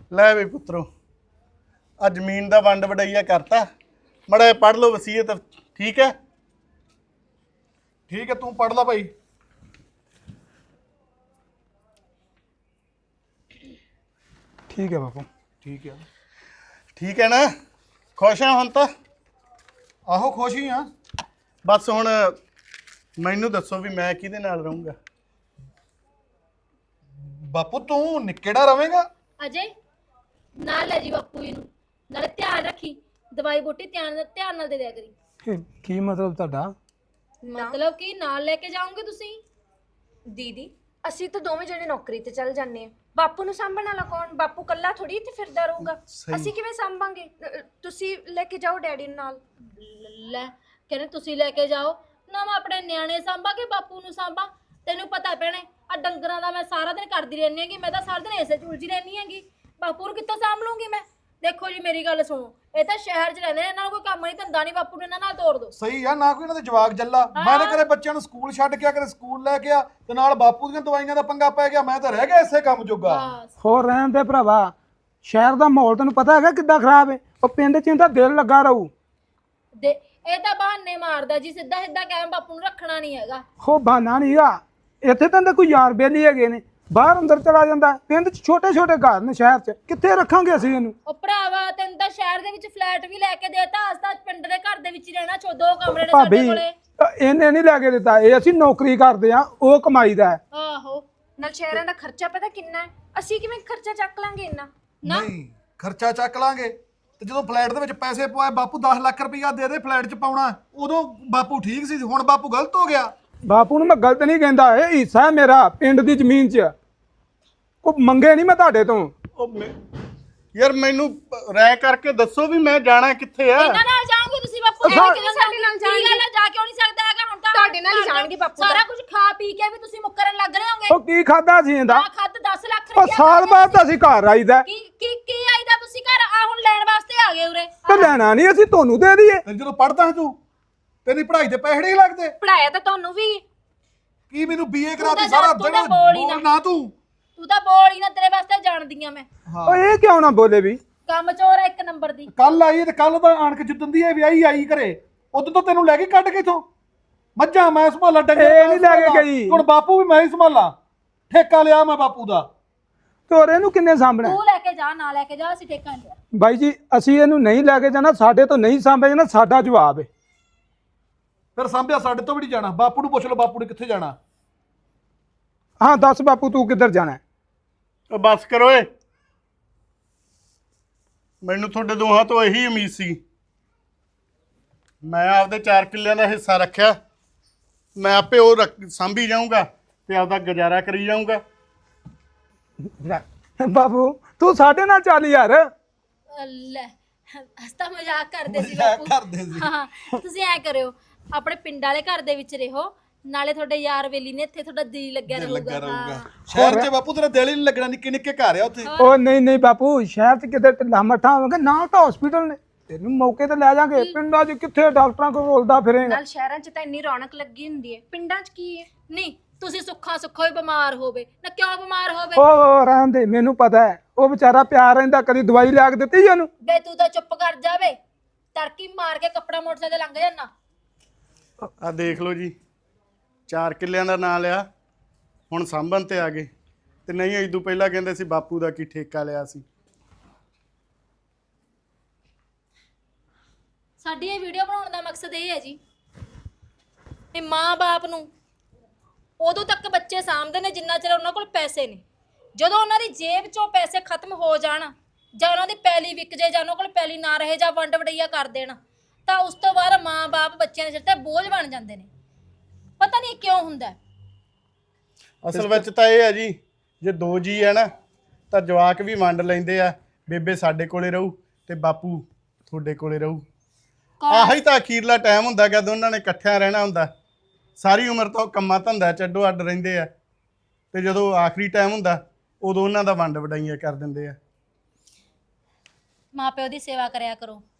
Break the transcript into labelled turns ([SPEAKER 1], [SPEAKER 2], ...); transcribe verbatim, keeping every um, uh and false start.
[SPEAKER 1] ਲੈ ਵੇ ਪੁੱਤਰੋ आ जमीन का वंड वडैया करता मड़ा पढ़ लो वसीयत ठीक है।
[SPEAKER 2] ठीक है तू पढ़ ला भाई।
[SPEAKER 3] ठीक है बापू
[SPEAKER 2] ठीक है
[SPEAKER 1] ठीक है ना खुश हाँ हम तो
[SPEAKER 2] आहो खुश ही हाँ।
[SPEAKER 1] बस हुण मैनू दसो भी मैं किहदे नाल रहूँगा।
[SPEAKER 2] बापू तू निकेड़ा रवेगा
[SPEAKER 4] अजय नाल ले जी बापू जी नूं नाले ध्यान रखी दवाई बूटी ध्यान ध्यान नाल दे दिया करी।
[SPEAKER 3] ਇਹ ਕੀ ਮਤਲਬ ਤੁਹਾਡਾ?
[SPEAKER 4] मतलब कि नाल लेके जाओगे तुसी?
[SPEAKER 5] ਦੀਦੀ ਅਸੀਂ ਤਾਂ ਦੋਵੇਂ ਜਣੇ ਨੌਕਰੀ ਤੇ ਚੱਲ ਜਾਂਦੇ ਆ। ਬਾਪੂ ਨੂੰ ਸਾਂਭਣ ਵਾਲਾ ਕੌਣ? ਬਾਪੂ ਕੱਲਾ ਥੋੜੀ ਇੱਥੇ ਫਿਰਦਾ ਰਹੂਗਾ। ਅਸੀਂ ਕਿਵੇਂ ਸਾਂਭਾਂਗੇ? ਅ, ਤੁਸੀਂ ਲੈ ਕੇ ਜਾਓ ਡੈਡੀ ਨੂੰ ਨਾਲ।
[SPEAKER 4] ਲੈ ਕਹਿੰਦੇ ਤੁਸੀਂ ਲੈ ਕੇ ਜਾਓ ਨਾ ਮੈਂ ਆਪਣੇ ਨਿਆਣੇ ਸਾਂਭਾ ਕਿ ਬਾਪੂ ਨੂੰ ਸਾਂਭਾ? ਤੈਨੂੰ ਪਤਾ ਭੈਣੇ ਆ ਡੰਗਰਾਂ ਦਾ ਮੈਂ ਸਾਰਾ ਦਿਨ ਕਰਦੀ ਰਹਿੰਦੀ ਹੈਗੀ। ਮੈਂ ਤਾਂ ਸਾਰਾ ਦਿਨ ਇਸੇ ਝੁਲਜੀ ਰਹਿੰਦੀ ਹੈਗੀ। ਬਾਪੂ ਨੂੰ ਕਿੱਥੋਂ ਸਾਂਭ ਲੂੰਗੀ ਮੈਂ? ਦੇਖੋ ਜੀ ਮੇਰੀ ਗੱਲ ਸੁਣੋ ਇਹ ਤਾਂ ਸ਼ਹਿਰ 'ਚ ਰਹਿੰਦੇ ਨੇ ਇਹਨਾਂ ਨੂੰ ਕੋਈ ਕੰਮ ਨਹੀਂ ਧੰਦਾ ਨਹੀਂ। ਬਾਪੂ ਨੂੰ ਇਹਨਾਂ ਨਾਲ ਤੋੜ ਦੋ।
[SPEAKER 2] ਸਹੀ ਆ ਨਾ ਕੋਈ ਇਹਨਾਂ ਦੇ ਜਵਾਕ ਜੱਲਾ। ਮੈਂ ਤਾਂ ਕਦੇ ਬੱਚਿਆਂ ਨੂੰ ਸਕੂਲ ਛੱਡ ਕੇ ਆ ਕਦੇ ਸਕੂਲ ਲੈ ਕੇ ਆ ਤੇ ਨਾਲ ਬਾਪੂ ਦੀਆਂ ਦਵਾਈਆਂ ਦਾ ਪੰਗਾ ਪੈ ਗਿਆ। ਮੈਂ ਤਾਂ ਰਹਿ ਗਿਆ ਇਸੇ ਕੰਮ ਜੋਗਾ।
[SPEAKER 3] ਹੋਰ ਰਹਿਣ ਦੇ ਭਰਾਵਾ ਸ਼ਹਿਰ ਦਾ ਮਾਹੌਲ ਤੈਨੂੰ ਪਤਾ ਹੈਗਾ ਕਿੱਦਾਂ ਖਰਾਬ ਹੈ। ਉਹ ਪਿੰਡ 'ਚ ਇਹਦਾ ਦਿਲ ਲੱਗਾ ਰਹੂ।
[SPEAKER 4] ਦੇ ਇਹ ਤਾਂ ਬਹਾਨੇ ਮਾਰਦਾ ਜੀ ਸਿੱਧਾ ਸਿੱਧਾ ਕਹਿ ਬਾਪੂ ਨੂੰ ਰੱਖਣਾ ਨਹੀਂ ਹੈਗਾ।
[SPEAKER 3] ਹੋ ਬਹਾਨਾ ਨਹੀਂਗਾ ਇੱਥੇ ਤਾਂ ਕੋਈ ਯਾਰ ਬੇਲੀ ਹੈਗੇ ਨੇ ਬਾਹਰ ਅੰਦਰ ਚਲਾ ਜਾਂਦਾ। ਪਿੰਡ 'ਚ ਛੋਟੇ ਛੋਟੇ ਘਰ ਨੇ ਸ਼ਹਿਰ 'ਚ ਕਿੱਥੇ ਰੱਖਾਂਗੇ ਅਸੀਂ ਇਹਨੂੰ?
[SPEAKER 4] ਉਹ ਭਰਾਵਾ ਤੈਨੂੰ ਤਾਂ ਸ਼ਹਿਰ ਦੇ ਵਿੱਚ ਫਲੈਟ ਵੀ ਲੈ ਕੇ ਦੇਤਾ ਅੱਜ ਤਾਂ ਪਿੰਡ ਦੇ ਘਰ ਦੇ ਵਿੱਚ ਹੀ ਰਹਿਣਾ ਛੋ ਦੋ ਕਮਰੇ ਨੇ ਸਾਡੇ
[SPEAKER 3] ਭਾਬੀ
[SPEAKER 4] ਕੋਲੇ।
[SPEAKER 3] ਇਹਨੇ ਨਹੀਂ ਲੈ ਕੇ ਦਿੱਤਾ ਇਹ ਅਸੀਂ ਨੌਕਰੀ ਕਰਦੇ ਆ ਉਹ ਕਮਾਈ ਦਾ ਹੈ।
[SPEAKER 4] ਆਹੋ
[SPEAKER 5] ਨਾਲ ਸ਼ਹਿਰਾਂ ਦਾ ਖਰਚਾ ਪਤਾ ਕਿੰਨਾ ਹੈ? ਅਸੀਂ ਕਿਵੇਂ ਖਰਚਾ ਚੱਕ ਲਾਂਗੇ ਇੰਨਾ?
[SPEAKER 2] ਨਹੀਂ ਖਰਚਾ ਚੱਕ ਲਾਂਗੇ ਤੇ ਜਦੋਂ ਫਲੈਟ ਦੇ ਵਿੱਚ ਪੈਸੇ ਪਵਾਏ ਬਾਪੂ ਦਸ ਲੱਖ ਰੁਪਈਆ ਦੇ ਦੇ ਫਲੈਟ 'ਚ ਪਾਉਣਾ ਉਦੋਂ ਬਾਪੂ ਠੀਕ ਸੀ। ਹੁਣ ਬਾਪੂ ਗਲਤ ਹੋ ਗਿਆ।
[SPEAKER 3] ਬਾਪੂ ਨੂੰ ਮੈਂ ਗਲਤ ਨਹੀਂ ਕਹਿੰਦਾ ਇਹ ਹਿੱਸਾ ਹੈ ਮੇਰਾ ਪਿੰਡ ਦੀ ਜ਼ਮੀਨ 'ਚ। ਕੋਈ ਮੰਗੇ ਨਹੀਂ ਮੈਂ ਤੁਹਾਡੇ ਤੋਂ।
[SPEAKER 1] ਉਹ ਮੈਂ- ਯਾਰ ਮੈਨੂੰ ਰਹਿ ਕਰਕੇ ਦੱਸੋ ਵੀ ਮੈਂ ਜਾਣਾ ਕਿੱਥੇ ਆ।
[SPEAKER 4] ਇਹਨਾਂ ਨਾਲ ਜਾਓਗੇ ਤੁਸੀਂ ਬਾਪੂ
[SPEAKER 3] ਅੱਛਾ।
[SPEAKER 4] ਕਿਹਦੇ ਸਾਡੇ ਨਾਲ ਜਾਣਗੇ? ਕੀ ਗੱਲ ਹੈ ਜਾ ਕਿਉਂ ਨਹੀਂ ਸਕਦਾ ਹੈਗਾ? ਹੁਣ ਤਾਂ
[SPEAKER 5] ਤੁਹਾਡੇ ਨਾਲ ਹੀ ਜਾਣਗੇ ਬਾਪੂ
[SPEAKER 4] ਸਾਰਾ ਕੁਝ ਖਾ ਪੀ ਕੇ ਵੀ ਤੁਸੀਂ ਮੁੱਕਰਨ ਲੱਗ ਰਹੇ ਹੋਗੇ।
[SPEAKER 3] ਉਹ ਕੀ ਖਾਦਾ ਸੀ ਇਹਦਾ?
[SPEAKER 4] ਆ ਖੱਤ ਦਸ ਲੱਖ
[SPEAKER 3] ਉਹ
[SPEAKER 4] ਰੁਪਇਆ
[SPEAKER 3] ਸਾਲ ਬਾਅਦ ਤਾਂ ਅਸੀਂ ਘਰ ਆਈਦਾ
[SPEAKER 4] ਕੀ ਕੀ ਕੀ ਆਈਦਾ ਤੁਸੀਂ ਘਰ ਆ ਹੁਣ ਲੈਣ ਵਾਸਤੇ ਆ ਗਏ ਉਰੇ?
[SPEAKER 3] ਤੇ ਲੈਣਾ ਨਹੀਂ ਅਸੀਂ ਤੁਹਾਨੂੰ ਦੇ ਦਈਏ।
[SPEAKER 2] ਤੇ ਜਦੋਂ ਪੜਦਾ ਤੂੰ ਤੇਰੀ ਪੜ੍ਹਾਈ ਦੇ ਪੈਸੇ ਨਹੀਂ ਲੱਗਦੇ?
[SPEAKER 5] ਪੜਾਇਆ ਤਾਂ ਤੁਹਾਨੂੰ ਵੀ।
[SPEAKER 2] ਕੀ ਮੈਨੂੰ ਬੀਏ
[SPEAKER 4] ਤੂੰ
[SPEAKER 2] ਕਰਾਤੀ
[SPEAKER 4] ਤਾਂ
[SPEAKER 2] ਸਾਰਾ
[SPEAKER 4] ਤੂੰ ਤਾਂ
[SPEAKER 2] ਦਿਨ
[SPEAKER 4] ਬੋਲ ਹੀ ਨਾ।
[SPEAKER 2] ਬੋਲ ਨਾ ਤੂੰ।
[SPEAKER 4] ਤੂੰ ਤਾਂ ਬੋਲ ਹੀ ਨਾ ਤੇਰੇ ਵਾਸਤੇ ਜਾਣਦੀ ਆ ਮੈਂ।
[SPEAKER 3] ਉਹ ਇਹ ਕਿਉਂ ਨਾ ਬੋਲੇ ਵੀ?
[SPEAKER 4] ਕੰਮ ਚੋਰ ਆ ਇੱਕ ਨੰਬਰ ਦੀ।
[SPEAKER 2] ਕੱਲ ਆਈ ਤੇ ਕੱਲ ਦਾ ਆਣ ਕੇ ਜਿੱਦਣ ਦੀ ਇਹ ਵਿਆਹੀ ਆਈ ਘਰੇ ਉਦੋਂ ਤੋਂ ਤੈਨੂੰ ਲੈ ਕੇ ਕੱਢ ਕੇ ਇਥੋਂ ਮੱਝਾਂ ਮੈਂ ਸੰਭਾਲਾ ਡੰਗਰ
[SPEAKER 3] ਇਹ
[SPEAKER 2] ਮੈਂ
[SPEAKER 3] ਨਹੀਂ ਲੈ ਕੇ
[SPEAKER 2] ਸੰਭਾਲਾਂ।
[SPEAKER 3] ਗਈ।
[SPEAKER 2] ਹੁਣ ਬਾਪੂ ਵੀ ਮੈਂ ਹੀ ਸੰਭਾਲਾਂ। ਠੇਕਾ ਲਿਆ ਮੈਂ ਬਾਪੂ ਦਾ।
[SPEAKER 3] ਤੋਰੇ ਇਹਨੂੰ ਕਿੰਨੇ ਸਾਂਭਣਾ?
[SPEAKER 4] ਤੂੰ ਲੈ ਕੇ ਜਾ ਨਾ ਲੈ ਕੇ ਜਾ ਅਸੀਂ ਠੇਕਾ ਨਹੀਂ ਲਿਆ।
[SPEAKER 3] ਬਾਈ ਜੀ ਅਸੀਂ ਇਹਨੂੰ ਨਹੀਂ ਲੈ ਕੇ ਜਾਣਾ ਸਾਡੇ ਤੋਂ ਨਹੀਂ ਸਾਂਭਿਆ ਜਾਣਾ ਸਾਡਾ ਜਵਾਬ ਹੈ।
[SPEAKER 2] ਫਿਰ ਸਾਂਭਿਆ ਸਾਡੇ ਤੋਂ ਵੀ ਨਹੀਂ ਜਾਣਾ। ਬਾਪੂ ਨੂੰ ਪੁੱਛ ਲਓ ਬਾਪੂ ਨੇ ਕਿੱਥੇ ਜਾਣਾ।
[SPEAKER 3] ਹਾਂ ਦੱਸ ਬਾਪੂ ਤੂੰ ਕਿੱਧਰ ਜਾਣਾ ਹੈ?
[SPEAKER 1] ਉਹ ਬਸ ਕਰੋ ਏ ਮੈਨੂੰ ਤੁਹਾਡੇ ਦੋਹਾਂ ਤੋਂ ਇਹੀ ਉਮੀਦ ਸੀ। ਮੈਂ ਆਪਦੇ ਚਾਰ ਕਿੱਲਿਆਂ ਦਾ ਹਿੱਸਾ ਰੱਖਿਆ ਮੈਂ ਆਪੇ ਉਹ ਰੱਖ- ਸਾਂਭੀ ਜਾਊਂਗਾ ਤੇ ਆਪਦਾ ਗੁਜ਼ਾਰਾ ਕਰੀ ਜਾਊਂਗਾ।
[SPEAKER 3] ਲੈ, ਬਾਬੂ ਤੂੰ ਸਾਡੇ ਨਾਲ ਚੱਲ ਯਾਰ।
[SPEAKER 4] ਲੈ ਹਸਤਾ ਮਜ਼ਾਕ ਕਰਦੇ ਸੀ
[SPEAKER 2] ਮਜ਼ਾਕ
[SPEAKER 4] ਬਾਪੂ।
[SPEAKER 2] ਕਰਦੇ ਸੀ।
[SPEAKER 4] ਹਾਂ ਤੁਸੀਂ ਐ ਕਰਿਓ ਆਪਣੇ ਪਿੰਡ ਵਾਲੇ ਘਰ ਦੇ ਵਿੱਚ ਰਹੋ ਨਾਲੇ ਤੁਹਾਡੇ ਯਾਰ ਵੇਲੀ ਨੇ ਇੱਥੇ ਤੁਹਾਡਾ ਦਿਲ ਲੱਗਿਆ
[SPEAKER 2] ਲੱਗਾ
[SPEAKER 4] ਰਹੂਗਾ।
[SPEAKER 2] ਰਹੂਗਾ। ਸ਼ਹਿਰ 'ਚ ਬਾਪੂ ਤੇਰਾ ਦਿਲ ਹੀ ਨਹੀਂ ਲੱਗਣਾ। ਨਿੱਕੇ ਨਿੱਕੇ ਘਰ ਆ ਉੱਥੇ।
[SPEAKER 3] ਉਹ ਨਹੀਂ ਨਹੀਂ ਬਾਪੂ ਸ਼ਹਿਰ 'ਚ ਕਿਤੇ ਢਿੱਲਾ ਮੱਠਾ ਹੋਵੇਗਾ ਨਾਲ ਤਾਂ ਹਸਪੀਟਲ ਨੇ ਤੈਨੂੰ ਮੌਕੇ ਤੇ ਲੈ ਜਾਾਂਗੇ। ਪਿੰਡਾਂ 'ਚ ਕਿੱਥੇ ਡਾਕਟਰਾਂ ਕੋਲ ਰੋਲਦਾ ਫਿਰੇਗਾ।
[SPEAKER 5] ਨਾਲ ਸ਼ਹਿਰਾਂ 'ਚ ਤਾਂ ਇੰਨੀ ਰੌਣਕ ਲੱਗੀ ਹੁੰਦੀ ਹੈ। ਪਿੰਡਾਂ 'ਚ ਕੀ ਹੈ?
[SPEAKER 4] ਨਹੀਂ ਤੁਸੀਂ ਸੁੱਖਾ ਸੁੱਖਾ ਹੀ ਬਿਮਾਰ ਹੋਵੇ ਨਾ ਕਿਉਂ ਬਿਮਾਰ ਹੋਵੇ?
[SPEAKER 3] ਉਹ ਰਹਿਣ ਦੇ ਮੈਨੂੰ ਪਤਾ ਹੈ ਉਹ ਵਿਚਾਰਾ ਪਿਆਰ ਰਹਿੰਦਾ ਕਦੀ ਦਵਾਈ ਲਿਆ ਕੇ ਦਿੱਤੀ ਉਹਨੂੰ।
[SPEAKER 4] ਬੇ ਤੂੰ ਤਾਂ ਚੁੱਪ ਕਰ ਜਾਵੇ ਤੜਕੀ ਮਾਰ ਕੇ ਕੱਪੜਾ ਮੋਟਰਸਾਈਕਲ ਤੇ ਲੰਘ ਜਾਣਾ।
[SPEAKER 1] ਆ ਦੇਖ ਲਓ ਜੀ ਚਾਰ ਕਿੱਲਿਆਂ ਦਾ ਨਾਂ ਲਿਆ ਹੁਣ ਸਾਂਭਣ ਤੇ ਆ ਗਏ ਤੇ ਨਹੀਂ ਇਦੋਂ ਪਹਿਲਾਂ ਕਹਿੰਦੇ ਸੀ ਬਾਪੂ ਦਾ ਕੀ ਠੇਕਾ ਲਿਆ ਸੀ।
[SPEAKER 4] ਸਾਡੀ ਇਹ ਵੀਡੀਓ ਬਣਾਉਣ ਦਾ ਮਕਸਦ ਇਹ ਹੈ ਜੀ ਇਹ ਮਾਂ-ਬਾਪ ਨੂੰ ਉਦੋਂ ਤੱਕ ਬੱਚੇ ਸਾਂਭਦੇ ਨੇ ਜਿੰਨਾ ਚਿਰ ਉਹਨਾਂ ਕੋਲ ਪੈਸੇ ਨੇ। ਜਦੋਂ ਉਹਨਾਂ ਦੀ ਜੇਬ 'ਚੋਂ ਪੈਸੇ ਖਤਮ ਹੋ ਜਾਣ ਜਾਂ ਉਹਨਾਂ ਦੀ ਪੈਲੀ ਵਿਕ ਜੇ ਜਾਂ ਉਹਨਾਂ ਕੋਲ ਪੈਲੀ ਨਾ ਰਹੇ ਜਾਂ ਵੰਡ ਵਡਈਆ ਕਰ ਦੇਣ ਤਾਂ ਉਸ ਤੋਂ ਬਾਅਦ ਮਾਂ-ਬਾਪ ਬੱਚਿਆਂ ਦੇ ਸਿਰ ਤੇ ਬੋਝ ਬਣ ਜਾਂਦੇ ਨੇ। ਪਤਾ ਨਹੀਂ ਕਿਉਂ ਹੁੰਦਾ।
[SPEAKER 1] ਅਸਲ ਵਿੱਚ ਤਾਂ ਇਹ ਹੈ ਜੀ ਜੇ ਦੋ ਜੀ ਹੈ ਨਾ ਤਾਂ ਜਵਾਕ ਵੀ ਵੰਡ ਲੈਂਦੇ ਆ। ਬੇਬੇ ਸਾਡੇ ਕੋਲੇ ਰਹੂ ਤੇ ਬਾਪੂ ਤੁਹਾਡੇ ਕੋਲੇ ਰਹੂ। ਆਹੀ ਤਾਂ ਅਖੀਰਲਾ ਟਾਈਮ ਹੁੰਦਾ ਕਿ ਦੋਨਾਂ ਨੇ ਇਕੱਠਿਆਂ ਰਹਿਣਾ ਹੁੰਦਾ। ਸਾਰੀ ਉਮਰ ਤਾਂ ਕੰਮਾਂ ਧੰਦਾ ਚ ਅੱਡੋ ਅੱਡ ਰਹਿੰਦੇ ਆ ਤੇ ਜਦੋਂ ਆਖਰੀ ਟਾਈਮ ਹੁੰਦਾ ਉਦੋਂ ਉਹਨਾਂ ਦਾ ਵੰਡ ਵਡਾਈਆਂ ਕਰ ਦਿੰਦੇ ਆ।
[SPEAKER 4] ਮਾਂ ਪਿਓ ਦੀ ਸੇਵਾ ਕਰਿਆ ਕਰੋ।